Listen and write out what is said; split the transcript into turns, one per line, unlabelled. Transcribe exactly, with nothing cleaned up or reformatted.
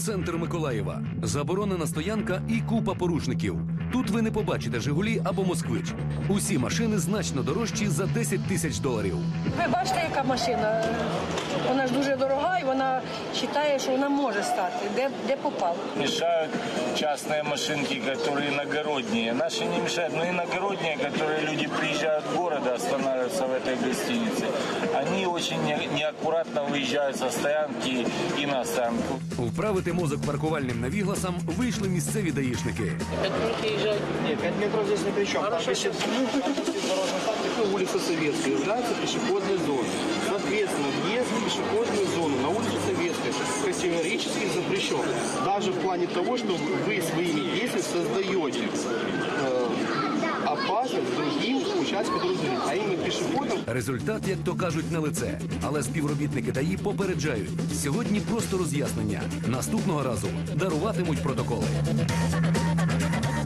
центр Миколаєва. Заборонена стоянка і купа порушників. Тут ви не побачите «Жигулі» або «Москвич». Усі машини значно дорожчі за десять тисяч доларів.
Ви бачите, яка машина? Вона ж дуже дорога і вона вважає, що вона може стати. Де, де попало?
Мешают частные машинки, которые иногородние. Наши не мешают, но иногородние, которые люди приезжают в город, останавливаются в этой гостинице, они очень не- неаккуратно выезжают со стоянки и на стоянку.
Вправити мозок паркувальним навігласам вийшли місцеві даїшники.
Нет, пять метров здесь ни при чем. Там висит дорожный знак, такой улица Советская, является пешеходной зоной. Соответственно, въезд в пешеходную зону на улицу Советская категорически запрещен. Даже в плане того, что вы своими действиями создаете э, опасность другим участникам дороги, а именно пешеходам.
Результат, як то кажуть, на лице. Але співробітники ДАІ попереджають. Сьогодні просто роз'яснення. Наступного разу даруватимуть протоколи.